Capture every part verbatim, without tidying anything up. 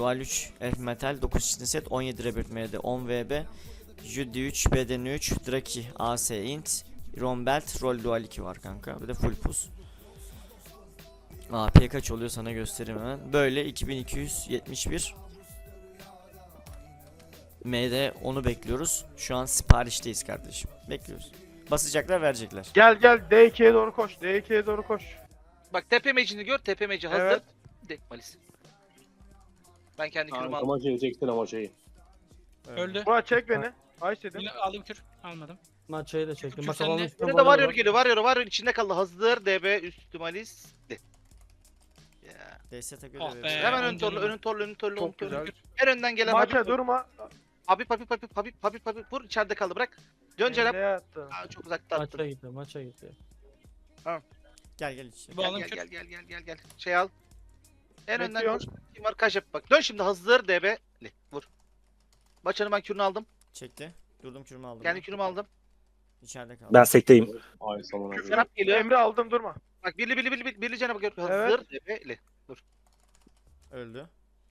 Dual üç Elf Metal dokuz çizgi set on yedi Rebirth M D on V B Judy üç B D N üç Draki A S Int Iron Belt Roll Dual iki var kanka. Bir de full pus. A P kaç oluyor sana göstereyim hemen. Böyle iki bin iki yüz yetmiş bir M D onu bekliyoruz. Şu an siparişteyiz kardeşim. Bekliyoruz. Basacaklar, verecekler. Gel gel D iki'ye doğru koş. D iki'ye doğru koş. Bak tepe mecini gör. Tepe meci hazır. Evet. De Malis. Ben kendi kürümü Kanka aldım. maçı yiyecektin ama şeyi. Öldü. Murat çek beni. Ay dedim. Yine aldım kür. Almadım. Maçayı da çektim. Küçük Maç sende. alanın üstüne Burada da varıyor var. geliyor. Varıyor varıyor içinde kaldı. Hazır. D B üstü Malis. De. Ya. D S'e göre Ah verecek. be. Hemen on ön torlu, canım önün torlu, önün torlu, önün Çok torlu. güzel. En önden gelen Maça Habib. durma. Habib, Habib, Habib, Habib, Habib, Habib, Habib. Vur içeride kaldı bırak. Dön Cenap. Emre'ye attı. Aa, çok uzakta attın. Maça gitti. Maça gitti. Gel gel içeri. Bu Gel alım gel kür. gel gel gel gel gel. Şey al. En önden Bekliyorum. koş. Kim var? Kaç yap bak. Dön şimdi hazır D B'li. Vur. Maçanı ben kürünü aldım. Çekti. Durdum, kürümü aldım. Kendi ben. kürümü aldım. İçeride kaldı. Ben sekteyim. Ay samana. Cenap geliyor. Emre aldım durma. Bak birli birli birli birli, birli Cenap'a gör. Hazır Evet. D B'li. Öldü.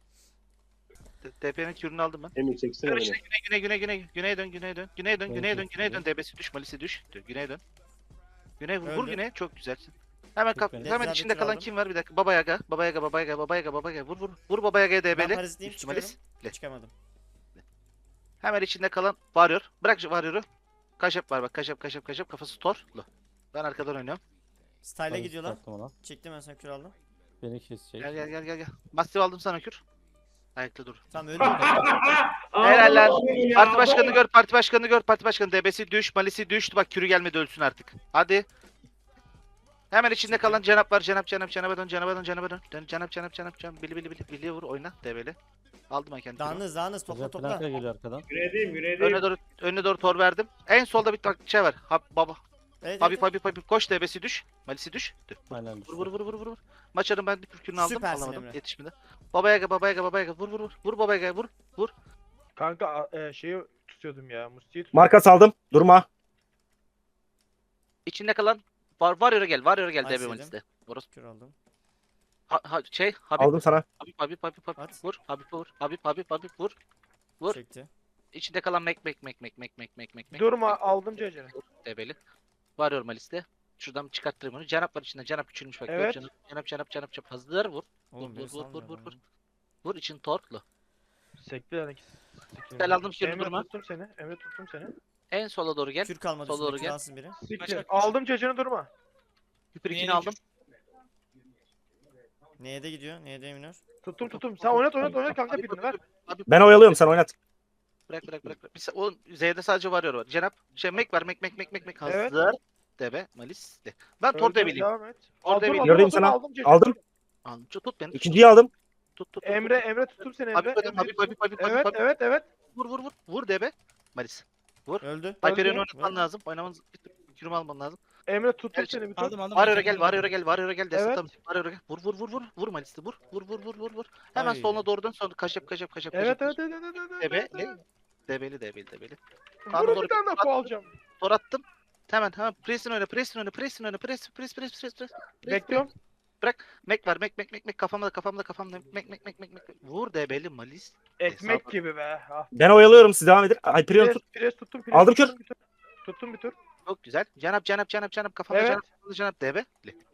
D P'nin kürünü aldım ben. Emir çeksene Dön beni. işte güney güney güney güney. Güneye dön güneye dön. Güneye dön Ben güneye dön çok güneye dön. güzel. D B'si düş. Malisi düş. Dön, güneye dön. Güney vur, vur Öldü. güneye. Çok güzelsin. Hemen kap, Çok hemen güzel. içinde Kür kalan aldım. kim var bir dakika. Baba Yaga, Baba Yaga, Baba Yaga, Baba Yaga, Baba Yaga, Baba Yaga. Vur vur. Vur Baba Yaga'ya Ben D B'li. parazitliyim, Üstü Malis. çıkıyorum. Çıkamadım. Hemen içinde kalan varıyor. Bırak şu varyoru. Kaşep var bak. Kaşep kaşep kaşep. Kafası torlu. Ben arkadan oynuyorum. Style'e gidiyorlar. Çıkarttım ona. Çektim, ben sana kür aldım. Beni kesecek. Gel gel gel gel gel. Mastif aldım sana kür. Ayakta dur. Tamam, öldü. Helal lan. Parti başkanını gör, parti başkanını gör, parti başkanı. D B'si düş, Malisi düştü. Bak kürü gelmedi, ölsün artık. Hadi. Hemen içinde kalan Cenap var. Cenap, Cenap, Cenap'a dön, Cenap'a dön, Cenap'a dön. Dön, Cenap, Cenap, Cenap, Cenap. Bili bili bili. Biliye vur, oyna. D B'li. Aldım ben kendimi. Dağınız dağınız, topla Güzel topla. planka geliyor arkadan. Güneydeyim, güneydeyim. Önüne doğru, önüne doğru tor verdim. En solda bir bak şey var. Hab, baba. Evet, Habib, evet. Habib, Habib. Koş D B'si düş. Malisi düş. Dur. Aynen düştü. Vur vur vur vur vur. vur. Maçarın ben bir kürkünü aldım. Süpersin Alamadım. Emre. Yetişmedi. Baba Yaga, Baba Yaga, Baba Yaga. Vur vur vur. Vur Baba Yaga'ya vur. Kanka a- e, şeyi tutuyordum ya. Musti'yi tutuyordum. Marka saldım. Durma. İçinde kalan var var yere gel. Var yere gel D B Ayşe'cim. Malis'te. Burası. Kür aldım. Ha, ha, şey Habib. Aldım sana. Habib, Habib, Habib, Habib. At. Vur. Habib vur. Habib, Habib, Habib vur. Vur. Çekti. İçinde kalan mek mek mek mek mek mek mek mek mek. Durma aldım C C'ni. Debeli. Varıyorum Malis'te. Şuradan çıkarttırayım onu. Cenap var içinde. Cenap küçülmüş bak. Evet. Cenap, cenap, cenap, cenap, cenap. Hazır vur. Oğlum Vur, beni vur, vur, salmıyor vur, lan. vur. Vur için torklu. Sekti yani. Gel aldım kürünü, Emre durma. tuttum seni. Emre tuttum seni. En sola doğru gel. Kür kalmadı Sola üstünde, doğru kür gel. alsın biri. Siktir. kaç. Aldım C C'ni durma. Küpür ikini Niye aldım. Neye de gidiyor? Neye de eminör? Tuttum tuttum. Sen oynat oynat oynat kanka birini ver. Abi, Ben oyalıyorum, sen oynat. Bırak bırak bırak. bırak. Bir sa- o Z'de sadece varıyor var. Cenap şey mek var mek mek mek mek mek. Hazır. Evet. Debe Malis de. Ben tor Öldüm, debileyim. Devam et. Orada Aldım bir- aldım Gördüm aldım sana. aldım C C'ni. Aldım. Aldım. Tut beni. İkinciyi aldım. Tut tut. tut. Emre Emre tuttum seni Habib Emre. Habib Emre Habib tuttum. Habib Habib Evet Habib. evet evet. Vur vur vur. Vur debe. Malis. Öldü. Hyperion'u Öldü. oynatman lazım. Oynamanız kürümü alman lazım. Emre tuttum Gel, seni bir tur. Aldım aldım. Varıyor'a aldım. gel, varıyor'a gel, varıyor'a gel. Destek Evet. tamam. Varıyor'a gel. Vur vur vur vur. Vur Malis'i vur. Vur vur vur vur vur. Hemen Ay. soluna doğru dön. Sonra kaşep kaşep kaşep Evet kaşep. evet evet evet. evet, Debe. evet, Ne? evet. Debeli debeli debeli. Vurun bir tane daha ko alacağım. Tor attım. Hemen hemen presin oyna, presin oyna, presin oyna, pres pres pres pres pres. Bekliyorum. Mek var, mek mek mek mek kafamda kafamda kafamda mek mek mek mek mek. Vur debeli Malis. Ekmek Hesap- gibi be. Ah. Ben oyalıyorum, siz devam edin. Hyperion Pres, tut. pres tuttum. Pres Aldım tuttum bir tur. Tuttum bir tur. Çok güzel. Canap canap canap canap kafamda Evet. canap kafamda canap debe.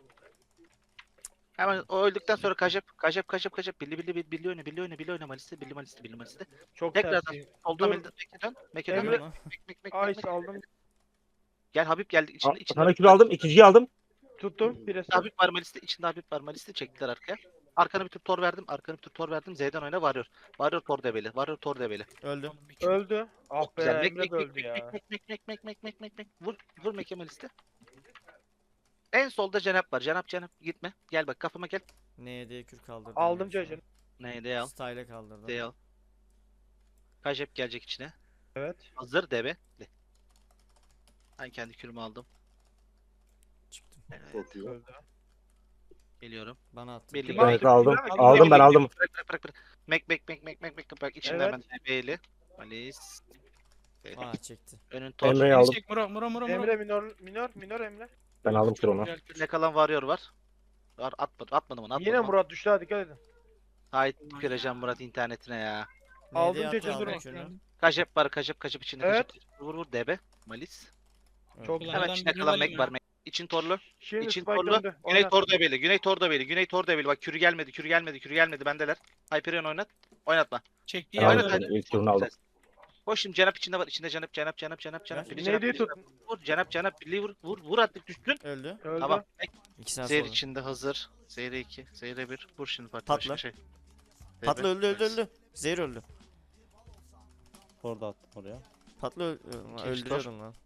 Hemen o öldükten sonra kaşep kaşep kaşep kaşep billi billi billi billi oyna billi oyna billi oyna Malis'te billi Malis'te billi Malis'te. Çok Tekrardan tersi. soldan Dur. melde meke dön. Meke dön. Emre- Mek mek mek mek Ay mek. aldım. Gel Habib geldi içinde içinde. Sana kül aldım. İkinciyi aldım. Tuttum. Pres. Habib var Malis'te içinde Habib var Malis'te çektiler arkaya. Arkana bir tur tor verdim. Arkana bir tur tor verdim. Z'den oyna varıyor. Varıyor tor debeli. Varıyor tor debeli. Öldü. Öldü. Ah be Güzel. Mek Emre mek de mek öldü mek ya. mek mek mek mek mek mek mek mek. Vur vur Meke Malis'te. En solda Cenap var. Cenap Cenap gitme. Gel bak kafama gel. Neye de kür kaldırdım. Aldım ben şu an. C C'ni. Neydi al? Style'e kaldırdım. D al. Kajep gelecek içine. Evet. Hazır debe. De. Ben kendi kürümü aldım. Çıktım. Evet, Çok iyi. Öldü. geliyorum. Bana attı. Belli. Bak, Evet aldım. bak, Aldım, ben aldım. Bırak bırak bırak. bırak. Mek mek mek mek mek mek bak içinde Evet. hemen debeli. Malis. Aa, çekti. Önün tor. Emre'yi aldım. Çek Muro Muro Muro Muro. Emre minor minor minor Emre. Ben aldım kür onu. Gel kür. Ne kalan varıyor var. Var atmadım atmadım onu atmadım. Yine onu. Murat düştü hadi dikkat edin. Haydi gireceğim Murat internetine ya. Aldım, N D 'yi geçin, attı, durun. aldım şunu. Kaçep var kaçep kaçep içinde Evet. kaçep. Vur vur debe. Malis. Çok Ulan Hemen adam içinde birini kalan alayım Meg ya. var. Meg. İçin torlu. Şimdi İçin spike torlu. döndü. Güney Oynat. Tordabeli. Güney Tordabeli. Güney Tordabeli. Bak kürü gelmedi. Kürü gelmedi. Kürü gelmedi. Bendeler. Hyperion oynat. Oynatma. Çektiği Ben Oynat yerde aldım. hadi. İlk turunu aldım. Koş şimdi Cenap içinde var. İçinde Cenap Cenap Cenap Cenap Cenap. Ver. Biri Neydi Cenap, biri tut? Cenap. Vur Cenap Cenap. Birliği vur. Vur. Vur artık düştün. Öldü. Öldü. Tamam. Meg. İki saat Zehir sonra. içinde hazır. Zehir iki. Zehir bir. Vur şimdi parti Patla. başka şey. Patla öldü öldü öldü. Zehir öldü. Orada attım oraya. Patla öl- İki, öldürüyorum lan.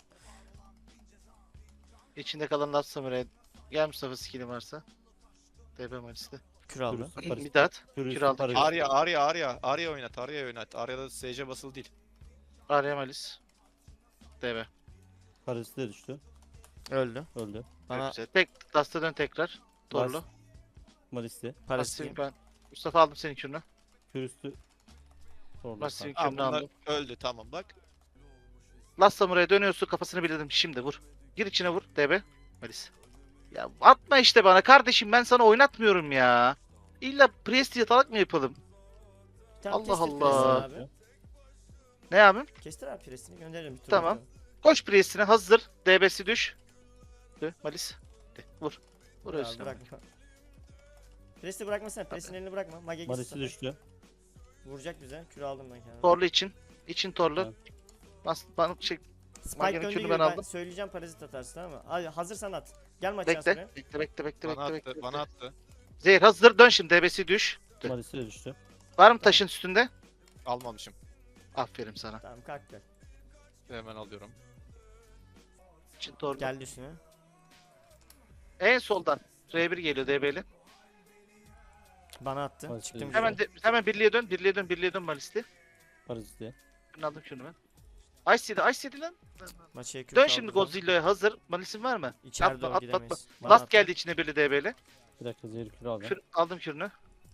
İçinde kalan Last Samurai. Gel Mustafa skill'in varsa. D B Malis'te. Kür aldı. Kürüstü Paris. Bir daha at. Kürüstü Kür aldı. Paris. Arya, Arya, Arya. Arya oynat, Arya oynat. Arya'da S C basılı değil. Arya Malis. D B. Paris'te de düştü. Öldü. Öldü. Bana Güzel. Tek Last'a dön tekrar. Torlu. Last. Malis'te. Paris'teyim. Masif ben. Mustafa aldım senin kürünü. Kürüstü. Orada. Masif Aa, kürünü bunlar aldım. öldü tamam bak. Last Samurai'ya dönüyorsun kafasını bildirdim şimdi vur. Gir içine vur D B. Malis. Ya atma işte bana kardeşim ben sana oynatmıyorum ya. İlla Priest yatalak mı yapalım? Tamam, Allah kestir Allah. Priest'ini abi. Ne abim? Kestir abi Priest'ini gönderirim bir tur. Tamam. bakalım. Koş Priest'ine hazır. D B'si düş. Dö, Malis. De, vur. Vur Ya, ölsün. bırakma. Priest'i bırakmasana. Priest'in elini bırakma. Mage Malis'te düştü. Vuracak bize. Kür aldım ben kendime. Torlu için. İçin torlu. Evet. Bas, bana şey Spike Mage'nin döndüğü kürünü gibi ben ben aldım. söyleyeceğim parazit atarsın tamam mı? Hadi hazırsan at. Gel maçtan bekle. sonra. Bekle bekle bekle Bana bekle attı, bekle. bana attı. Zehir hazır dön şimdi D B'si düş. Dö. Malis'te de düştü. Var mı taşın üstünde? Almamışım. Aferin sana. Tamam kalk gel. Hemen alıyorum. İçin torlu. Geldi üstüne. En soldan R bir geliyor D B'li. Bana attı. Paris'te Çıktım. düştü. Hemen de, hemen birliğe dön, birliğe dön, birliğe dön Malis'te. Paris'te. Şunu aldım şunu ben. Ice yedi, Ice yedi lan. Maçaya kür Dön kaldı şimdi zaten. Godzilla'ya hazır. Malis'in var mı? İçeride Atma, o at, gidemeyiz. at, Bana Last attı. geldi içine birli D B'li. Bir dakika zehir kürü aldım. Kür, aldım kürünü.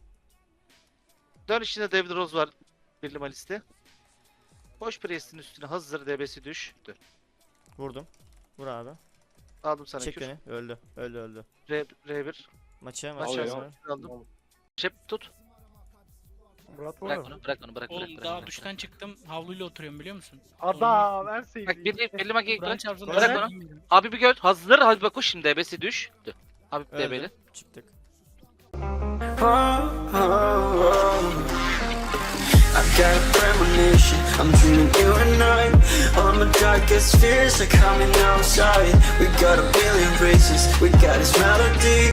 Dön içinde David Rose var. Birli Malis'te. Koş Priest'in üstüne hazır D B'si düş. Dön. Vurdum. Vur abi. Aldım sana Çek kür. beni. Öldü. Öldü öldü. R, R bir. Maçaya Maç maçaya yazdım. sonra. Aldım. Şep tut. Murat Bırak var. onu, bırak onu, bırak, bırak, Oğlum bırak. daha bırak. duştan çıktım havluyla oturuyorum biliyor musun? Adam en Bak sevdiğim. birli, birli makiye Kur'an bırak. çarpsın. Bırak ben onu. bilmiyorum. Abi bir gör. Hazır. Hadi bak koş şimdi D B'si düş. Dön. Abi D B'li. Öldü. Çıktık. I've got a premonition, I'm dreaming you and I. All my darkest fears are coming outside. We got a billion races, we got this melody.